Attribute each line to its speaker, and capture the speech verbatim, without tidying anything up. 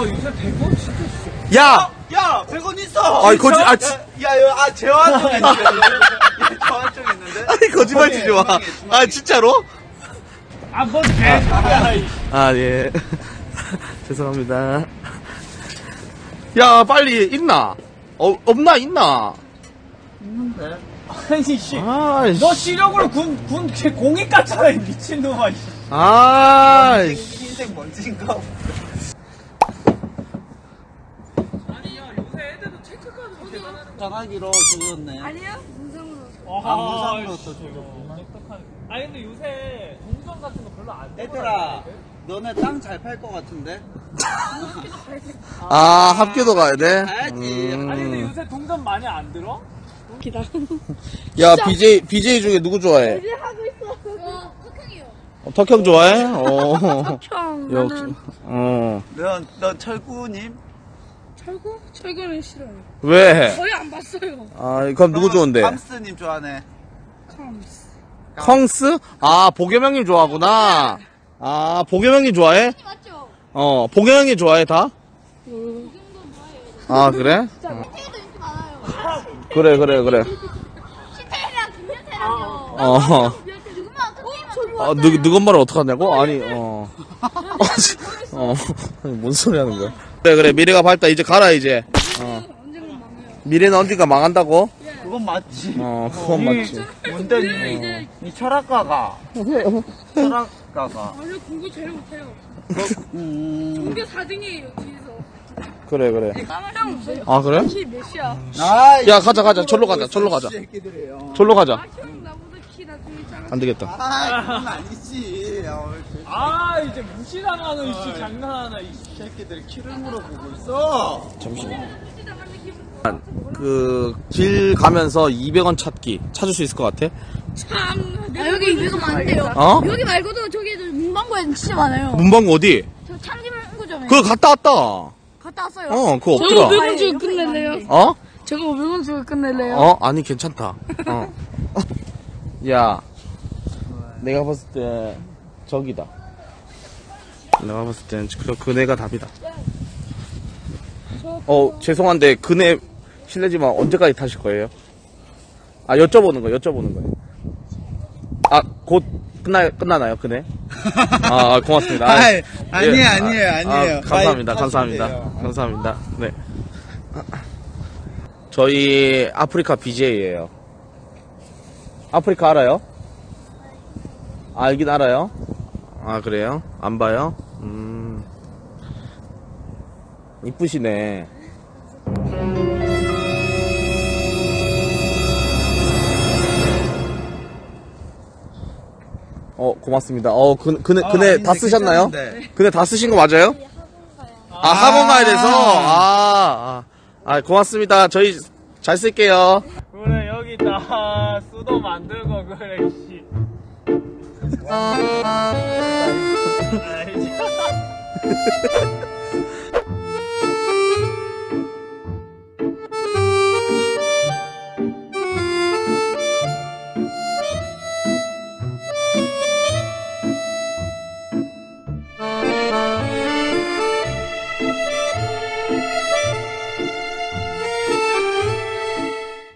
Speaker 1: 요새 백 원 진짜 있어.
Speaker 2: 야!
Speaker 3: 야! 백 원 있어!
Speaker 2: 아니, 거짓, 아, 지...
Speaker 3: 야, 야, 아, 재환 쪽에 있는데. 재환 쪽에 있는데?
Speaker 2: 아니, 거짓말 치지 마. 아, 진짜로?
Speaker 1: 아, 뭔 개소리야.
Speaker 2: 아, 예. 죄송합니다. 야, 빨리, 있나? 어, 없나, 있나?
Speaker 3: 있는데?
Speaker 1: 아니, 씨.
Speaker 2: 아,
Speaker 1: 너 시력으로 군, 군, 개 공익 같잖아, 이 미친놈아, 씨.
Speaker 2: 아,
Speaker 3: 흰색 먼지인가?
Speaker 1: 아니, 야, 요새 애들도 체크카드 대단하는
Speaker 3: 전화기로 그거였네.
Speaker 4: 아니요? 문성으로.
Speaker 3: 아, 무상으로 또
Speaker 1: 아니, 근데 요새 동전 같은 거 별로 안 돼.
Speaker 3: 얘들아, 너네 땅 잘 팔 것 같은데?
Speaker 2: 아, 합교도 가야 돼?
Speaker 3: 가야지.
Speaker 2: 음.
Speaker 1: 아니, 근데 요새 동전 많이 안 들어?
Speaker 4: 기다.
Speaker 2: 야, 비제이, 비제이 중에 누구 좋아해?
Speaker 4: 이제 하고 있어. 어, 흑형이요.
Speaker 2: 어, 덕형 좋아해? 어.
Speaker 4: 형,
Speaker 2: 역시,
Speaker 4: 나는
Speaker 2: 어.
Speaker 3: 너, 너 철구님?
Speaker 4: 철구? 철구는 싫어요.
Speaker 2: 왜?
Speaker 4: 거의 안 봤어요.
Speaker 2: 아, 그럼 누구 좋은데?
Speaker 3: 감스님 좋아하네.
Speaker 4: 컴스.
Speaker 2: 컹스? 아, 보겸형님 좋아하구나. 아, 보겸형님 좋아해?
Speaker 4: 맞죠?
Speaker 2: 어, 보겸형님 좋아해, 다?
Speaker 4: 음.
Speaker 2: 아, 그래?
Speaker 4: 진짜 태희도 인기 많아요.
Speaker 2: 그래, 그래, 그래.
Speaker 4: 신태희랑 김연태랑요.
Speaker 2: 어.
Speaker 4: 누구만 흑형이만
Speaker 2: 아, 누, 누군 말을 어떡하냐고? 아니, 어. 어. 뭔 소리 하는 거야? 그래, 그래. 미래가 밝다. 이제 가라, 이제. 어.
Speaker 4: 언젠가 망해요.
Speaker 2: 미래는 언젠가 망한다고?
Speaker 3: 그건 맞지.
Speaker 2: 어, 그건 맞지.
Speaker 3: 뭔데,
Speaker 4: 이제
Speaker 3: 니? 니 철학가가. 철학가가.
Speaker 4: 아니 공부 제일 못해요.
Speaker 3: 음.
Speaker 4: 전교 사 등이에요 뒤에서.
Speaker 2: 그래, 그래.
Speaker 4: 형
Speaker 2: 아, 그래?
Speaker 4: 키 몇이야?
Speaker 3: 아,
Speaker 2: 야, 가자, 가자. 절로 가자, 절로 가자.
Speaker 3: 새끼들이에요.
Speaker 2: 절로 가자.
Speaker 4: 아 형 나보다 키 나중에 작아.
Speaker 2: 안 되겠다.
Speaker 3: 아, 그건 아니지. 어,
Speaker 1: 아, 이제 무시당하는, 이씨, 장난하나, 이
Speaker 3: 새끼들 키를 물어보고 있어.
Speaker 2: 잠시만.
Speaker 4: 시작하는 기분.
Speaker 2: 그, 길 가면서 이백 원 찾기. 찾을 수 있을 것 같아?
Speaker 4: 참. 아 여기 이백 원 많은데요.
Speaker 2: 어?
Speaker 4: 여기 말고도 저기 문방구에 진짜 많아요.
Speaker 2: 문방구 어디?
Speaker 4: 저 참기문구점에.
Speaker 2: 그거 갔다 왔다.
Speaker 4: 갔다 왔어요.
Speaker 2: 어, 그거
Speaker 4: 저거
Speaker 2: 없더라.
Speaker 4: 오백 원 주고 끝낼래요?
Speaker 2: 어?
Speaker 4: 저거 오백 원 주고 끝낼래요?
Speaker 2: 어? 아니, 괜찮다. 어. 야, 내가 봤을 때, 저기다. 내가 봤을 땐, 그, 그네가 답이다. 어, 죄송한데, 그네, 실례지만 언제까지 타실 거예요? 아, 여쭤보는 거, 여쭤보는 거예요. 아, 곧, 끝나, 끝나나요, 그네? 아, 고맙습니다. 아,
Speaker 3: 아이, 아니에요,
Speaker 2: 예,
Speaker 3: 아니에요,
Speaker 2: 아,
Speaker 3: 아니에요.
Speaker 2: 아, 감사합니다,
Speaker 3: 많이
Speaker 2: 감사합니다.
Speaker 3: 타시면 돼요.
Speaker 2: 감사합니다. 네. 저희 아프리카 비제이예요. 아프리카 알아요? 알긴 알아요? 아, 그래요? 안 봐요? 음. 이쁘시네. 어, 고맙습니다. 어, 그, 그네,
Speaker 3: 아,
Speaker 2: 그네
Speaker 3: 아닌데,
Speaker 2: 다 쓰셨나요?
Speaker 3: 괜찮은데.
Speaker 2: 그네 다 쓰신 거 맞아요? 아, 학원 가야 돼서? 아, 아, 아, 고맙습니다. 저희 잘 쓸게요.
Speaker 1: 그래, 여기다 수도 만들고, 그래, 씨. 아, 이제.